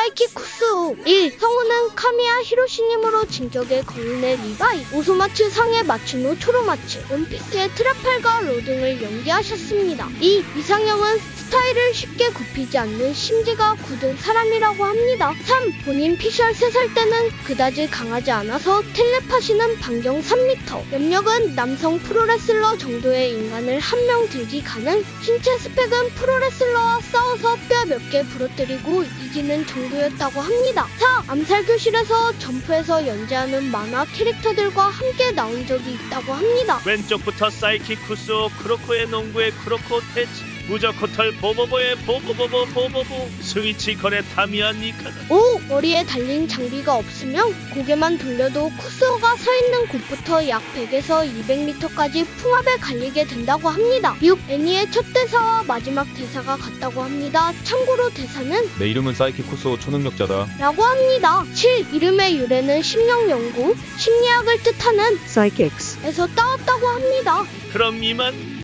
사이키쿠스오 1. 성우는 카미야 히로시님으로 진격의 거인의 리바이, 오소마츠 상의 마츠노 초로마츠, 원피스의 트라팔가 로 등을 연기하셨습니다. 2. 이상형은 스타일을 쉽게 굽히지 않는 심지가 굳은 사람이라고 합니다. 3. 본인 피셜 3살 때는 그다지 강하지 않아서 텔레파시는 반경 3m, 염력은 남성 프로레슬러 정도의 인간을 한 명 들기 가능, 신체 스펙은 프로레슬러와 싸워서 뼈 몇 개 부러뜨리고 이기는 정도였다고 합니다. 4. 암살교실에서 점프해서 연재하는 만화 캐릭터들과 함께 나온 적이 있다고 합니다. 왼쪽부터 사이키쿠스오 크로코의 농구의 크로코 테치, 무저코털 보보보의 보보보보, 스위치 거래 타미야 니카다. 5. 머리에 달린 장비가 없으면 고개만 돌려도 쿠스오가 서 있는 곳부터 약 100에서 200m까지 풍압에 갈리게 된다고 합니다. 6. 애니의 첫 대사와 마지막 대사가 같다고 합니다. 참고로 대사는 내 이름은 사이키쿠스오 초능력자다. 라고 합니다. 7. 이름의 유래는 심령연구, 심리학을 뜻하는 psychics. 에서 따왔다고 합니다. 그럼 이만.